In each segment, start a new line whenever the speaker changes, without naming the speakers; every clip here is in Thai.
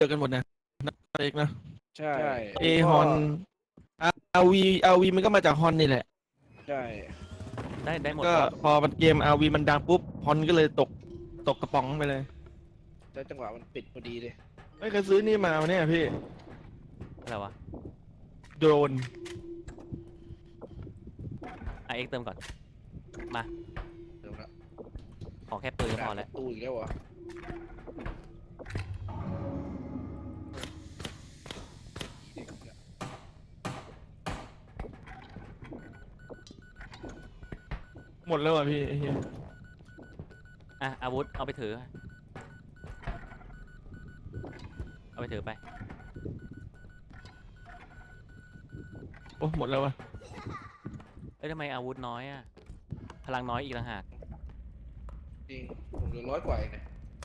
เจอกันหมดนะเอกนะ
ใช่
เอฮอนอาวีมันก็มาจากฮอนนี่แหละ
ใช่
ได้หมด
ก็
ก็
พอมันเกมอาวีมันดังปุ๊บฮอนก็เลยตกกระป๋องไปเลย
แล้วจังหวะมันปิดพอดีเลย
ไม่เคยซื้อนี่มาเนี่ยพี่
อะไรวะ
โดรน
เอ็กเติมก่อนมา
เดี๋ยวนะ
ขอแค่ปืนก็พอแล้ว
ตู้อีกแล้วเหรอ
หมดแล้วอ่ะพี่ไอ้เหี้ย
อาวุธเอาไปถือเอาไปถือไป
โอ้หมดแล้วอ่ะ
ทำไมอาวุธน้อยพลังน้อยอีกต่างหาก
จริงผมเหลือ100 กว่าเองเนี่ย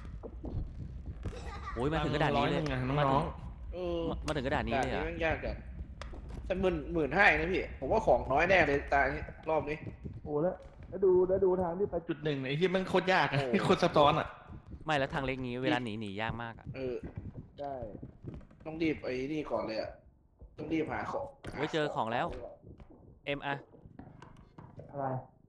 โอ้ยมาถึงกระดาษนี้เลย
100ไง
มา
น้
ถึ
อง
ง
เออ
มาถึงกระดาษนี้
ด่าน
เลย
นี้
อ่ะ
แม่งยากจัดแต่15,000นะพี่ผมว่าของน้อยแน่เลยตานี้รอบนี้
ๆโอ้แล้วดูทางที่ไปจุดหนึ่งไอ้ที่มันโคตรยากอ่ะ
โอ้
ที่โคตรซับซ้อนอ่ะ
ไม่แล้วทางเล็กนี้เวลาหนียากมากอ่ะ
เออได้ต้องรีบไอ้นี่ก่อนเลยอ่ะต้องรีบหาของ
ไว้เจอของแล้วเอ็มอะ
อะไร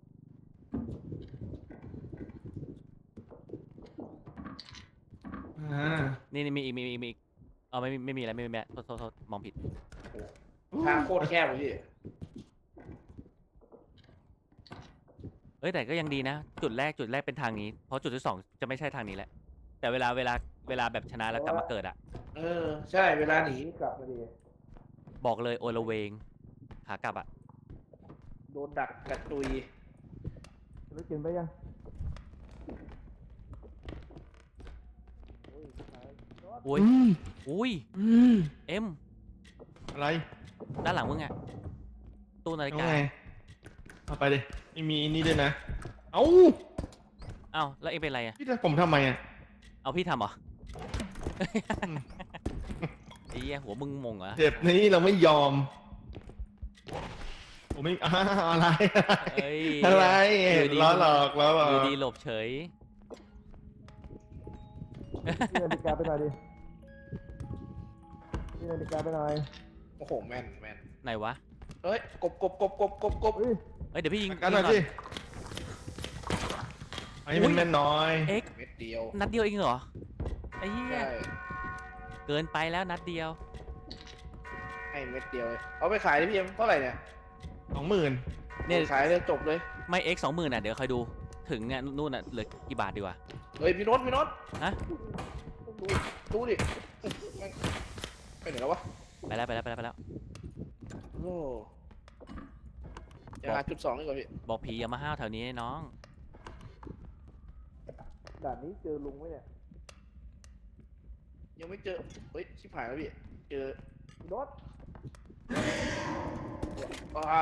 นี่มีอีกเอาไม่มีอะไรไม่มีแล้วโทษมองผิด
ทางโคตรแคบเลยพี่
แต่ก็ยังดีนะ จุดแรกเป็นทางนี้เพราะจุดที่สองจะไม่ใช่ทางนี้แหละแต่เวลาแบบชนะแล้วกลับมาเกิดอ่ะ
เออใช่เวลาหนีกลับมาดี
บอกเลยโอละเวงขากลับอ่ะ
โดนดักกระตุย
แล้วกินไปยัง
อุ้ยอุ้ยเอ็ม
อะไร
ด้านหลังมึงอ่ะตู้นาฬิ
เอา
กา
ไงเอาไปดิไม่มีอันนี้ด้วยนะเอ้า
เอ้าแล้วเอ็มเป็นไรอ่ะ
พี่จะผมทำไมอ่ะ
เอาพี่ทำเหรอ ไอ้เหี้ยหัวมึงมงเหรอ
เจ็บนี้เราไม่ยอมผมไม่อะไร
เอ้ย
อะไร
อยู่ดี
ล้อหลอกล้อหลอก
อยู่ดีหลบเฉย
พี่นาฬิกาไปหน่อยดิพี่นาฬิกาไปหน่อย
โอ้โหแม่น
ไหนวะ
เฮ้ยกบ
เฮ้ย
เดี๋ยวพี่ยิง
กันหน่อย
ก่
สิไอ้มันแม่นน้อย
เอ็ก
เม็ดเดียว
นัดเดียวเองเหรอไอ้เหี้ย
ใช่
เกินไปแล้วนัดเดียว
ให้เม็ดเดียวเลยเอาไปขายดิพี่เอ็มเท่าไหร่เนี่ย
20,000
เนี่ย
ขายเลยจบเลย
ไม่เอ็ก20,000อ่ะเดี๋ยวคอยดูถึงเนี่ยนู่นอ่ะเหลือกี่บาทดีกว่า
เฮ้ยพี่โน้ต
ฮะ
ดูดิไปไหนแล้ววะ
ไปแล้ว
โอ้จะหาจุด2ดีกว่าพี่
บอกผีอย่ามาห้าวแถวนี้น้อง
ด่านนี้เจอลุงไหมเนี่ยยังไม่เจอเฮ้ยชิบหายแล้วพี่เจอพี่โน้ตว้า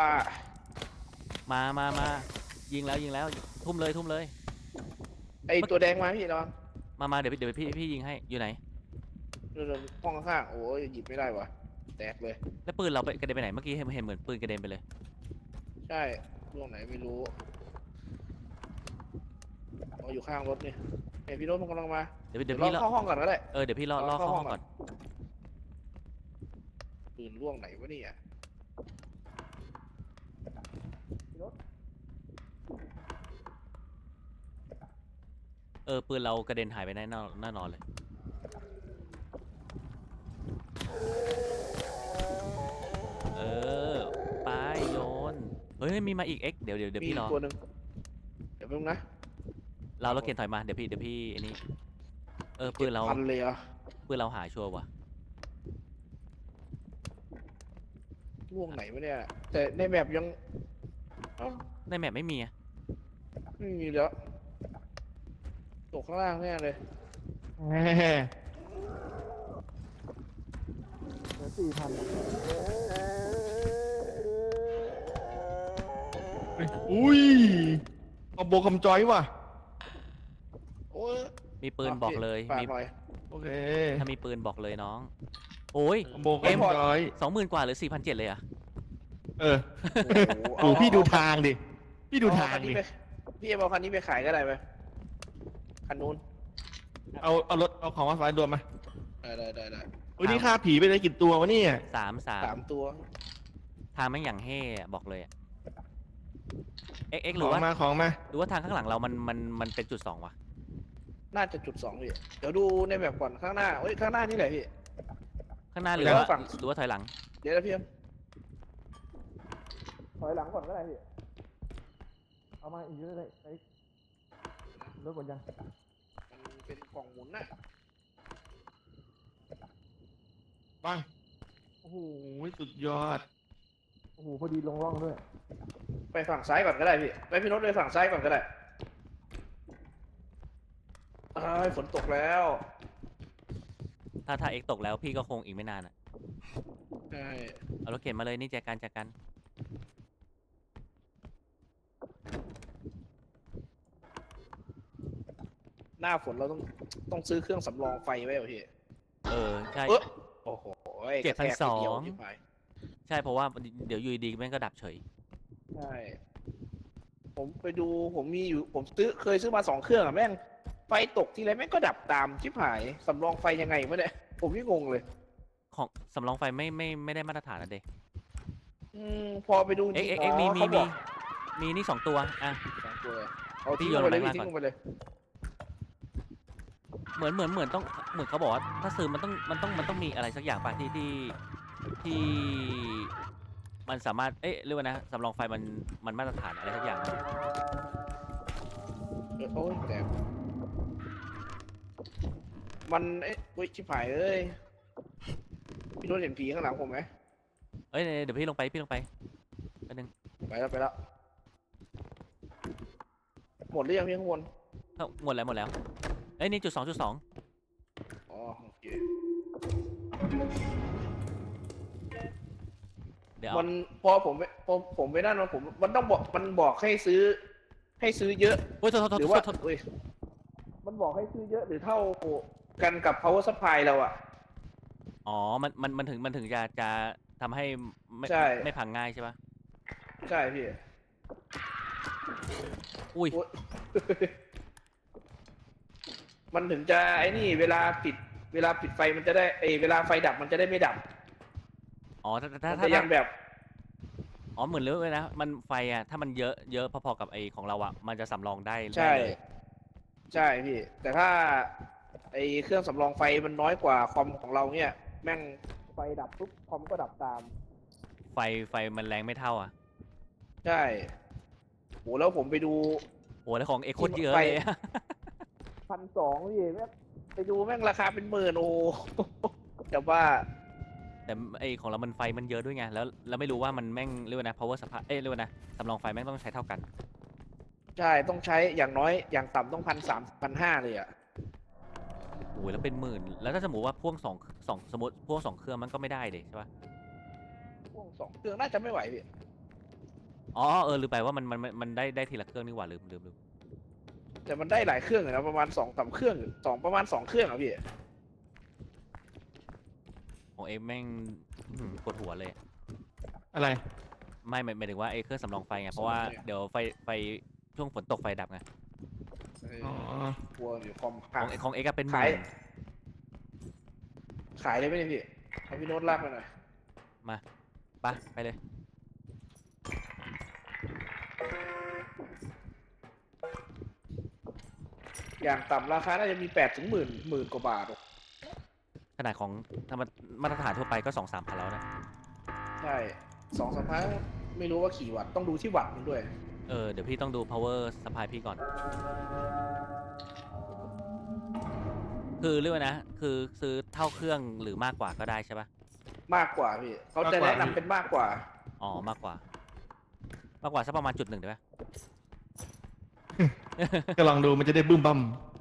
มายิงแล้วทุ่มเลย
ไอตัวแดงมาพี่ระวัง
มาเดี๋ยวพี่ยิงให้อยู่ไหน
เรื่องห้องข้างๆโอ้ยหยิบไม่ได้วะแตกเลย
แล้วปืนเราไปกระเด็นไปไหนเมื่อกี้เห็นเหมือนปืนกระเด็นไปเลย
ใช่ล่วงไหนไม่รู้เอาอยู่ข้างรถนี่เห็นพี่โน้ตมันกำลังมา
เดี๋ยว
เดี๋ยว
พี่
เราเข้าห้องก่อนก็ได้
เดี๋ยวพี่ล่อเข้าห้องก่อน
ปืนล่วงไหนวะเนี่ยพี่โน้ต
ปืนเรากระเด็นหายไปแน่นอนเลยไปโยนเฮ้ยมีมาอีกเอ็กเดี๋ยว
มี
พี่รอ
ตัวหนึ่งเดี๋ยวแป๊บนึงนะ
เราเกียนถอยมาเดี๋ยวพี่อันนี้ปืนเรา
พันเลยเหรอ
หายชัวร์ว่ะ
ล่วงไหนวะเนี่ยแต่ในแบบยังเอ้า
ในแมปไม่มีอะ
ไม่มีแล้วตกข้างล่างแน่เลย
แหมเหลือ4,000อุ้ยเอาโบคำจอยว่ะ
โอ้ย
มีปืนบอกเลย
ฝาก
มี
หน่อย
โอเค
ถ้ามีปืนบอกเลยน้องโอ้ย
เอาโบคำจอย
20,000 กว่าหรือ4,700เลยอะ
เออ
โอ้
โอ้พี่ดูทางดิ พี่ดูทางดิ
พี่เอาคันนี้ไปขายก็ได้ไหมคันนู้น
เอารถเอาของมาสายด่วนมา
เได้
วันนี้ฆ่าผีไปได้กี่ตัววะเนี่ย
สาม
3 ตัว
ทางแม่งอย่างเฮ่อะบอกเลยอะเอ็กห
ข
รือ
อง
ว่า
มาของมา
หรือว่าทางข้างหลังเรามันเป็นจุด 2วะ
น่าจะจุด 2พี่เดี๋ยวดูในแบบก่อนข้างหน้าเอ้ยข้างหน้านี่แหละพี่
ข้างหน้าหรือ
เดี๋ยว
ว่า
ฝั่ง
หรือว่าถอยหลัง
เดี๋ยวนะพี่เอ็มถอยหลังก่อนก็ได้พี่
เอามาอีกเยอะเลยไอ้รถหมดยัง
มันเป็นกล่องหมุนน่ะ
ปังโอ้โหสุดยอดโอ้โหพอดีลงร่องด้วย
ไปฝั่งซ้ายก่อนก็ได้พี่ไปพี่โน้ตไปฝั่งซ้ายก่อนก็ได้อ้ายฝนตกแล้ว
ถ้าเอ็กตกแล้วพี่ก็คงอีกไม่นานอะ
ใช่
เอารถเข็นมาเลยนี่แจกัน
หน้าฝนเราต้องซื้อเครื่องสำรองไฟไว้เหรอพี่
ใช่
โอ้โห
7,200
กระแทกทีเดียวชิบหาย
ใช่เพราะว่าเดี๋ยวอยู่ดีๆแม่งก็ดับเฉย
ใช่ผมไปดูผมมีอยู่ผมเคยซื้อมา2 เครื่องอะแม่งไฟตกทีไรแม่งก็ดับตามชิบหายสำรองไฟยังไงวะเนี่ยผมนี่งงเลย
ของสำรองไฟไม่ได้มาตรฐานนะเด็ก
พอไปดูจ
เอ็
ริ
ก
ง
เอ็ก
อ๋อ
มี
เขาบอก
นี่2 ตัวอ่ะ
2 ตัวเลยเอา
พี่
ทิ้ง
โยน
ลงไปเลย
ลงไป
ทิ้ง
ก่อน
ลงไปเลย
เหมือนต้องเหมือนเขาบอกว่าถ้าซื้อมันต้องมีอะไรสักอย่างป่ะที่มันสามารถเรียกว่านะสำรองไฟมันมาตรฐานอะไรสักอย่าง
โอ้ยแต่มันเฮ้ยชิบหายเอ้ยพี่โน้ตเห็นผีข้างหลังผมไหม
เดี๋ยวพี่ลงไปแป๊บนึง
ไปแล้วหมดหรือยังพี่ข้างบน
หมดแล้วนี่จุด 2.2
อ๋อโอเค
เดี๋ยว
มันพอผมไปนั่นมันต้องบอกมันบอกให้ซื้อเยอะ
โอ้ยโทษ
หรือว่า
โทษ
เอ้ยมันบอกให้ซื้อเยอะหรือเท่ากันกับ power supply เราอะ
อ๋อมันถึงจะทำให้
ใช่
ไม่พังง่ายใช่ปะ
ใช่พี่
อุ้ย
โอ๊ย มันถึงจะไอ้นี่เวลาปิดไฟมันจะได้เวลาไฟดับมันจะได้ไม่ดับ
อ๋อถ้า
มันจะยังแบบ
อ๋อเหมือนเลยนะมันไฟอ่ะถ้ามันเยอะพอๆกับไอของเราอ่ะมันจะสำรองได้
ใช่
เลย
ใช่พี่ แต่ถ้าเครื่องสำรองไฟมันน้อยกว่าคอมของเราเนี่ยแม่งไฟดับปุ๊บคอมก็ดับตาม
ไฟมันแรงไม่เท่าอ่ะ
ใช่โหแล้วผมไปดู
โอ้แล้วของเอ็กโคตรเยอะ
ไฟ
เลยอะ
1,200พี่แม่งไปดูแม่งราคาเป็นหมื่นโอ้ แต่ว่า
แต่ไอของเรามันไฟมันเยอะด้วยไงแล้วไม่รู้ว่ามันแม่งเรียกว่านะ power supply เรียกว่านะสำรองไฟแม่งต้องใช้เท่ากัน
ใช่ต้องใช้อย่างน้อยอย่างต่ำต้อง1,300-1,500เลยอ่ะ
โอ้ยแล้วเป็นหมื่นแล้วถ้าสมมติว่าพ่วงสมมติพ่วง2 เครื่องมันก็ไม่ได้เด็ใช่ปะ
พวก2 เครื่องน่าจะไม่ไหวพี่
อ๋อลืมไปว่ามันได้ทีละเครื่องนี่หว่าลืม
แต่มันได้หลายเครื่องอยู่นะประมาณ2-3 เครื่องประมาณ2 เครื่องอ่ะพี่
ของเอ็กแม่งปวดหัวเลย
อะไร
ไม่หมายถึงว่าไอ้เครื่องสำรองไฟไงเพราะว่าเดี๋ยวไฟช่วงฝนตกไฟดับไง
อ๋อ
กลัวอยู่คอม
ของเอ็กเป็นห
ขาย
มื่น
ขายได้ไหมเนี่ยพี่ให้พี่โน้ตลากไปหน่อย
ไปเลย
อย่างต่ำราคาน่าจะมี8 ถึง 10,000กว่าบาท
ขนาดของธรรมมาตรฐานทั่วไปก็ 2-3 พันแล้วนะ
ใช่2-3 พันไม่รู้ว่ากี่วัตต์ต้องดูที่วัตต์มันด้วย
เดี๋ยวพี่ต้องดู power supply พี่ก่อน คือเรียกว่านะคือซื้อเท่าเครื่องหรือมากกว่าก็ได้ใช่ปะ
มากกว่าพี่เขาจะแนะนำเป็นมากกว่า
อ๋อมากกว่าสักประมาณ1 ได้ไหม
ก็ลองดูมันจะได้บึ้มบั่ม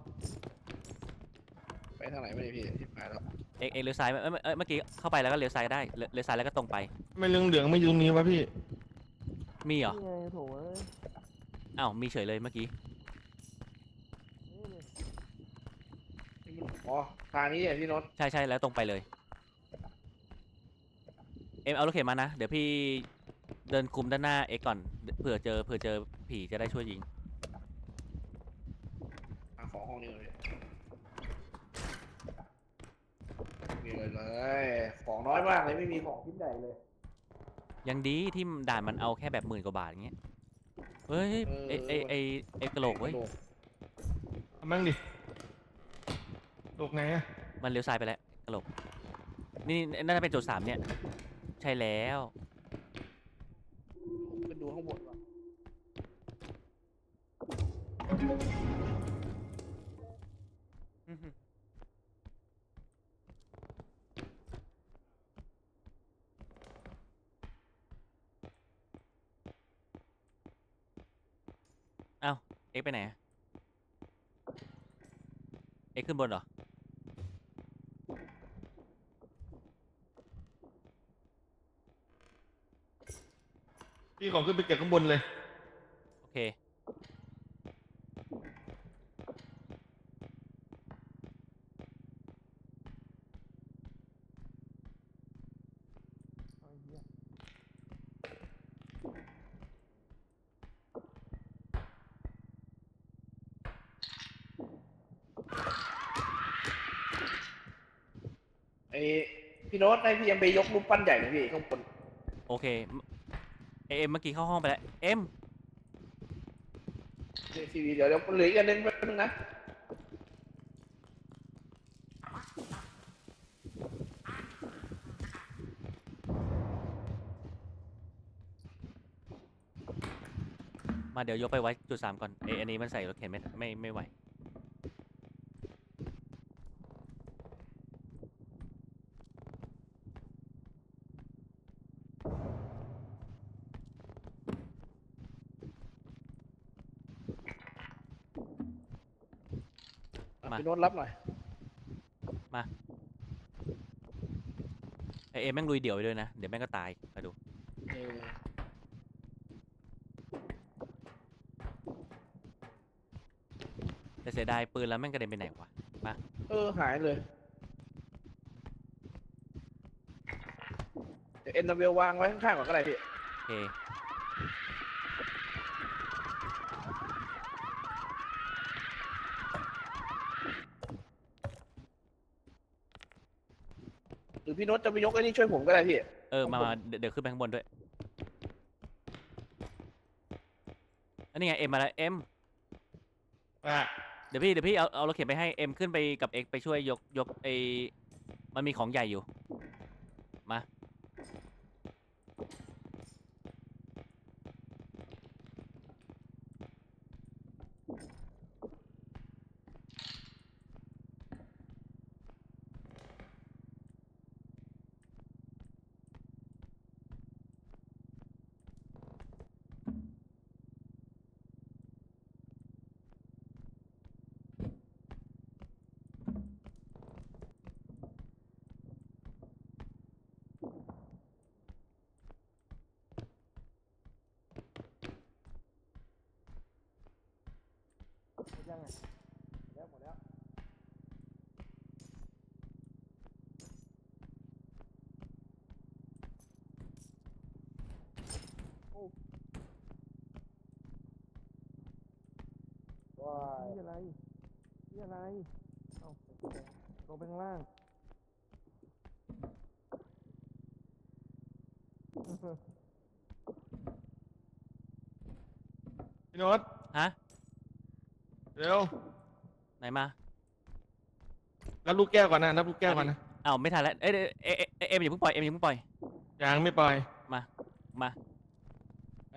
ไปทางไหนไม่ได้พี่ที่หายแล้ว
เอ็กเลี้ยวซ้ายเมื่อกี้เข้าไปแล้วก็เลี้ยวซ้ายได้เลี้ยวซ้ายแล้วก็ตรงไป
ไม่เหลืองไม่อยู่ตรงนี้วะพี่
มีเหรอ
นี่ไงโถเอ้ย
อ้าวมีเฉยเลยเมื่อกี้
อ๋อทางนี้เนี่ยพี่โน้ต
ใช่แล้วตรงไปเลยเอ็มเอารถเข็นมานะเดี๋ยวพี่เดินคุมด้านหน้าเอ็กก่อนเผื่อเจอผีจะได้ช่วยยิง
ของห้องนี้เลยมีเลยเลยของน้อยมากเลยไม่มีของชิ้นใหญ่เลย
ยังดีที่ด่านมันเอาแค่แบบ10,000 กว่าบาทอย่างเงี้ยเฮ้ยไอกระโหลกเว้ย
เอามั่งดิโลกไงอะ
มันเลี้ยวซ้ายไปแล้วกระโหลกนี่น่าจะเป็นจุด3เนี่ยใช่แล้ว
ขึ้นดูข้างบนว่ะ
เอ้าเอ็กซ์ไปไหนอะเอ็กซ์ขึ้นบนเหรอ
พี่ของขึ้นไปเก็บข้างบนเลย
โอเค
ไอพี่โน้ตให้พี่ยังไปยกรูปปั้นใหญ่หน่อยพี่ข้างบน
โอเคเอ็มเมื่อกี้เข้าห้องไปแล้วเอ็ม
ทีวีเดี๋ยวเหลืออีกอันนึงแป๊บนึงนะ
มาเดี๋ยวยกไปไว้จุด3ก่อนอันนี้มันใส่รถเข็นไม่ไหว มา
พี่โน้ตรับหน่อย
เอ็มแม่งลุยเดี่ยวไปด้วยนะเดี๋ยวแม่งก็ตายไปดู
เออ
แต่เสียดายปืนแล้วแม่งกระเด็นไปไหนวะ
หายเลยเดี๋ยวเอ็นดับเบลวางไว้ข้างๆก่อนก็ได้พี่
โอเค
หรือพี่โน้ตจะไปยกไอ้นี่ช่วยผมก็ได้พี่
มาเดี๋ยวขึ้นไปข้างบนด้วยอันนี้ไงเอ็มมาแล้วเอ็ม
อ่ะ
เดี๋ยวพี่เอารถเข็นไปให้เอ็มขึ้นไปกับเอ็กไปช่วยยกมันมีของใหญ่อยู่มา
ยังไงแล้วหมดแล้วว้าย
นี่อะไรนี่อะไรเอาลงไปข้างล่างพี่โน้ต
ฮะ
เร็ว
ไหนมา
รับลูกแก้วก่อนนะรับลูกแก้วก่อนนะ
อ้าวไม่ทันแล้วเอ็มอย่าเพิ่งปล่อยเอ็มอย่าเพิ่งปล่อย
ยังไม่ปล่อย
มา
ไป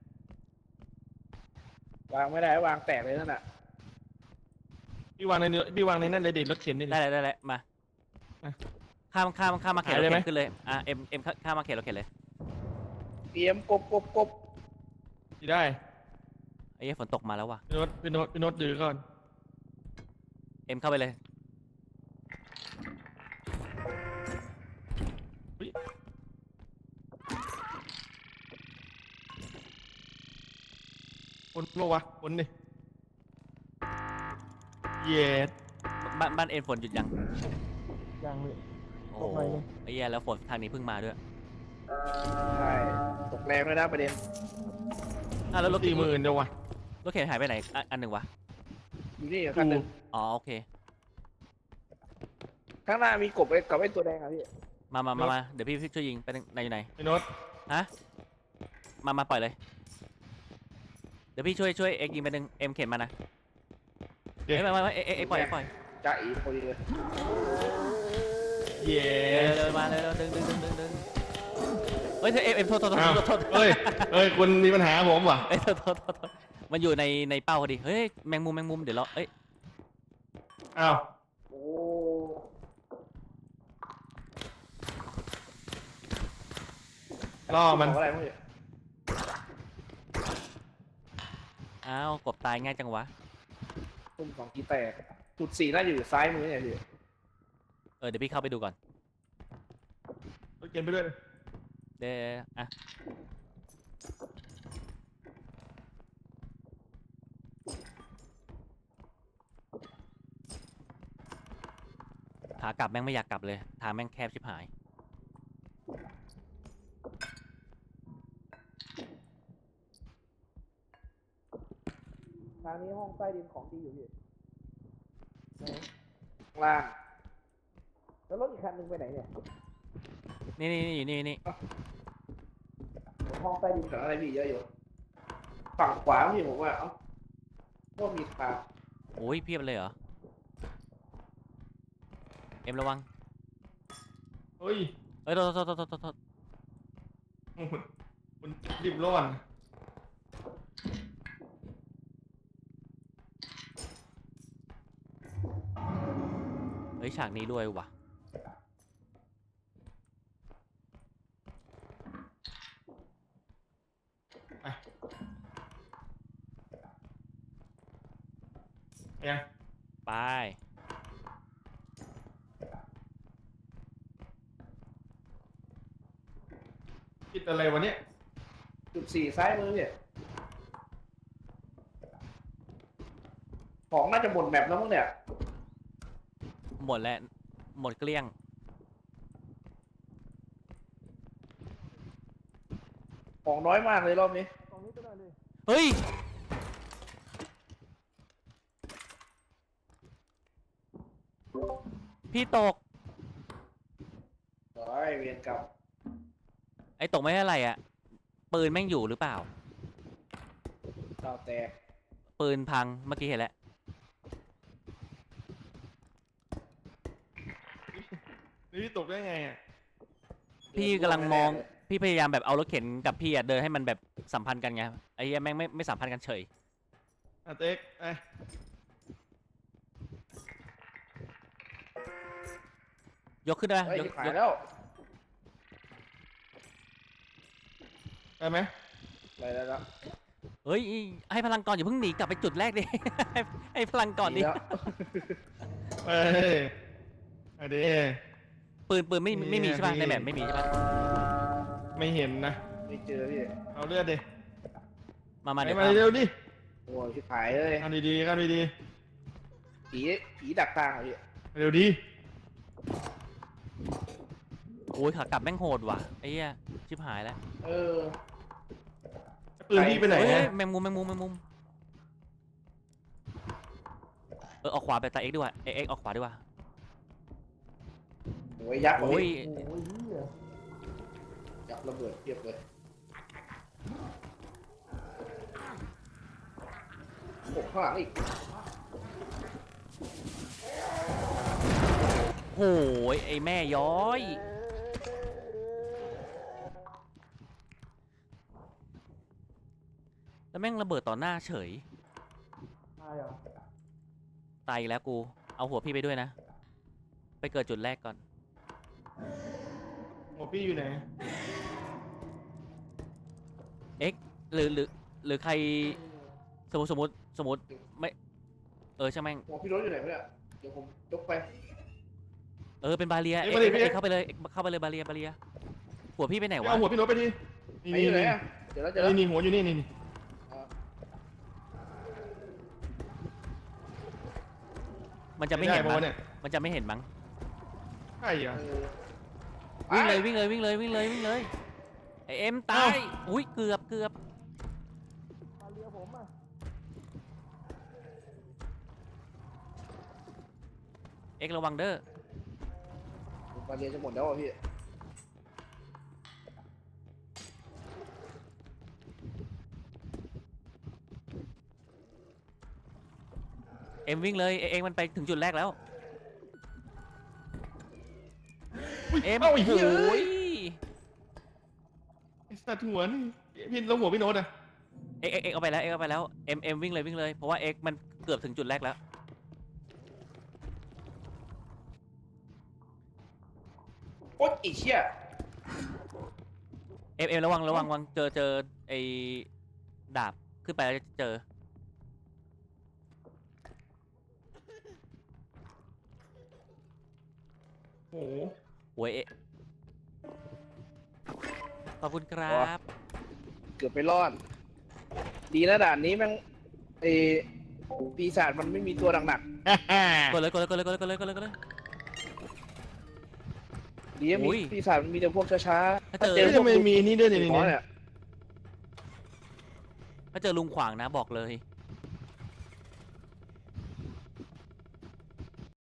วางไม่ได้วางแตกเลยนั่นน่ะ
พี่วางในเนื้อพี่วางในนั่นเลยดิรถเข็นนี่ดิ
ได้แล้วมา
อ่ะ
ข้ามมาเข็นร
หาย
ถ
เลยไหม
เข็นขึ้นเลยเอ็มข้ามมาเข็นรถเข็นเลย
เตรียมกบ
ที่ได้
ไอ้เหี้ยฝนตกมาแล้วว่ะ
พี่โน้ตดื้อก่อน
เอ็มเข้าไปเลย
คนโลวะคนดิเย็ด
บ้านเอ็มฝนหยุดยัง
ยังเลย
โอ้
ตกหน่อยนึง
ไอ้เหี้ยแล้วฝนทางนี้เพิ่งมาด้วย
ใช่ตกแรงด้วยนะประเด็น
แล้วรถ
40,000เดียววะ
รถเข็นหายไปไหนอันหนึ่งวะ
อยู่นี่คันหนึ่ง
อ๋อโอเค
ข้างหน้ามีกบกับไอ้ตัวแดงอะพี่
มาเดี๋ยวพี่ช่วยยิงไปไหนอยู่ไหน
ไอ้โน้ต
ฮะมาปล่อยเลยเดี๋ยวพี่ช่วยเอ็กยิงไปหนึ่งเอ็มเข็นมานะเอ้ยไม่เอ็กปล่อย
จ่าอีพอดีเลย
เย้
เลยมาเลยดึงเฮ้ยเอ็มโทษ
อ้าวเอ้ยคุณมีปัญหาผมว่ะ
เอ้ยโทษมันอยู่ในเป้าพอดีเฮ้ยแมงมุมเดี๋ยวเราเอ้ย
อ้าว
โอ้
ล่อมัน
ของอะไรพวกนี้
อ้าวกบตายง่ายจังวะ
ตุ้มสองทีแตกจุด 4น่าจะอยู่ซ้ายมือเนี่ยพี่
เดี๋ยวพี่เข้าไปดูก่อน
รถเกณฑ์ไปด้วย
เดี๋ยวอ่ะขากลับแม่งไม่อยากกลับเลยทางแม่งแคบชิบหาย
ทางนี้ห้องใต้ดินของดีอยู่พี่ข้างล่างแล้วรถอีกคันหนึงไปไหนเนี่ย
นี่อยู่นี่
ห้องใต้ดินของอะไรพี่เยอะอยู่ฝั่งขวาพี่ผมว่าว่ามีทาง
โอ้ยเพียบเลยเหรอเอ็มระวัง
เฮ้ย
เอ้ยโทษ
คุณรีบร้อน
เฮ้ยฉากนี้ด้วยว่ะ
ยัง
ไป
คิดอะไรวะเนี่ย
จุด 4ซ้ายมือเนี่ยของน่าจะหมดแมปแล้วมั้งเนี่ย
หมดแล้วหมดเกลี้ยง
ของน้อยมากเลยรอบนี้
เฮ้ยพี่ตก
โอ้ยเวียนกรรม
ไอ้ตกไม่เท่าไหร่อ่ะปืนแม่งอยู่หรือเปล่า
ดาวแตก
ปืนพังเมื่อกี้เห็นแล้ว
นี่ตกได้ไงอ่ะ
พี่กำลังมองพี่พยายามแบบเอารถเข็นกับพี่อะเดินให้มันแบบสัมพันธ์กันไงไอ้เหี้ยแม่งไม่สัมพันธ์กันเฉย
เต็กไอ้
ยกขึ้นได้ไหม
เฮ้ย
ยก
หาย
ยก
แล้ว
ได้ไหม
ไปแล้วนะ
เฮ้ยให้พลังก่อนอย่าเพิ่งหนีกลับไปจุดแรกดิ ให้พลังก่อนดิ
แล้ว
เฮ้ยเอาดิ
ปืนไม่มีใช่ป่ะในแบบไม่มีใช่ป่ะ
ไม่เห็นนะ
ไม่เจอพี่
เอาเลือดดิ
มา
ไป
เดี๋ยว
มา
ครับ
เร็วดิ
โอ้ยชิบหายเลย
เอาดีๆเอาดี
ผีดักทางอ่ะพี่
ๆเร็วดี
โอ้ยขากลับแม่งโหดว่ะไอ้เหี้ยชิบหายแล้ว
เออ
ปืนพี่ไปไหน
เฮ้ย
อะ
แมงมุมออกขวาไปตาเอ็กดีกว่าเอ็กออกขวาดีกว่า
โอ้ยยักษ์
โอ้ย
ยักษ์ระเบิดเทียบเลยโอ้ข้างหลังอีก
โหยไอ้แม่ย้อยแล้วแม่งระเบิดต่อหน้าเฉย
ตายเหรอ
ตายอีกแล้วกูเอาหัวพี่ไปด้วยนะไปเกิดจุดแรกก่อน
หัวพี่อยู่ไหน
เอ็กหรือใครสมมติไม่ใช่แม่ง
หัวพี่รถอยู่ไหนวะเนี่ยเดี๋ยวผมยกไป
เป็นบาเรีย
เอ็ก
เอ็
มาดิพี่
กเข้าไปเลยเข้าไปเลยบาเรียหัวพี่ไปไหนวะ
เอาหัวพี่โน้ตไปดิ
ไหนอยู่ไหนอะเดี๋ยวแล้วเดี๋ยวแล้ว
นี่หัวอยู่นี่
มันจะไม่เห็น
ด้
มั้
ปะ
ง
เนี่ย
มันจะไม่เห็นมั้ง
ใช่เหรอ
วิ่งเลยไอเอ็มตายอุ้ยเกือบเอ็กระวังเด้อ
บาเรียจะหมดแล้วอ่ะพี่
เอ็มวิ่งเลยเอ็มมันไปถึงจุดแรกแล้ว เอ็ม
เอ้าไอ้
โอ้
เหี้ย
โห
ไอ้สัตว์หัวนี่พี่แล้วหัวพี่โน้ตอะ
เอ็กเอาไปแล้วเอ็มวิ่งเลยเพราะว่าเอ็กมันเกือบถึงจุดแรกแล้ว
โอ๊ยไอ้เชี่ย
เอ็มระวังเจอไอ้ดาบขึ้นไปแล้วจะเจอ
โอ้โห
โอ้ยขอบคุณครับ
เกือบไปรอด ดีนะด่านนี้แม่งไอ้ปีศาจมันไม่มีตัวหนัก
กดเลย
ๆดีนะ
อุ้
มี
ย
ปีศาจมันมีแต่พวกช้า
ถ้า
ๆ
เจอ
ถ้าเจอ
เฮ้ย
พว
ทำ
ก
ไมมีนี่ด้วยเนี่ย
หมอ
เนี่ย
เนี่ย
ถ้าเจอลุงขวางนะบอกเลย